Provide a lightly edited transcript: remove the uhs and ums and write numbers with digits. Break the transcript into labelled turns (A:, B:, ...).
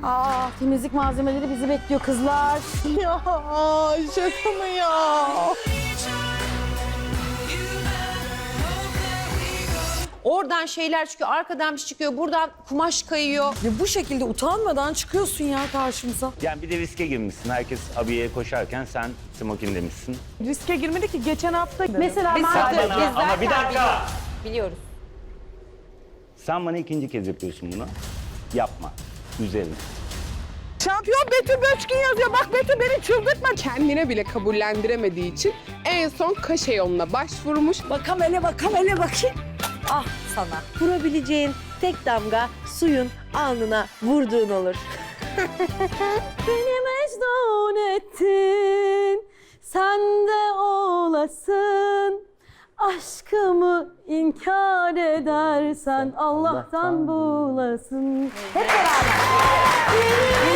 A: Aa, temizlik malzemeleri bizi bekliyor kızlar.
B: Ya şaka mı ya?
C: Oradan şeyler çıkıyor, arkadan bir şey çıkıyor, buradan kumaş kayıyor.
D: Ya bu şekilde utanmadan çıkıyorsun ya karşımıza.
E: Yani bir de riske girmişsin. Herkes abiyeye koşarken sen smokin demişsin.
B: Riske girmedi ki geçen hafta.
A: Mesela
C: Biz
A: ben
C: zaten-
E: Bana, ama bir dakika.
C: Biliyoruz.
E: Sen bana ikinci kez yapıyorsun bunu. Yapma. Üzerine.
B: Şampiyon Betül Böçkin yazıyor. Bak Betül beni çıldırtma. Kendine bile kabullendiremediği için en son kaşe yoluna başvurmuş.
D: Bakam hele bakayım.
F: Ah sana. Vurabileceğin tek damga suyun alnına vurduğun olur.
A: beni mecnun ettin, sen de olasın. Aşkımı inkar edersen Allah'tan bulasın. Hep beraber.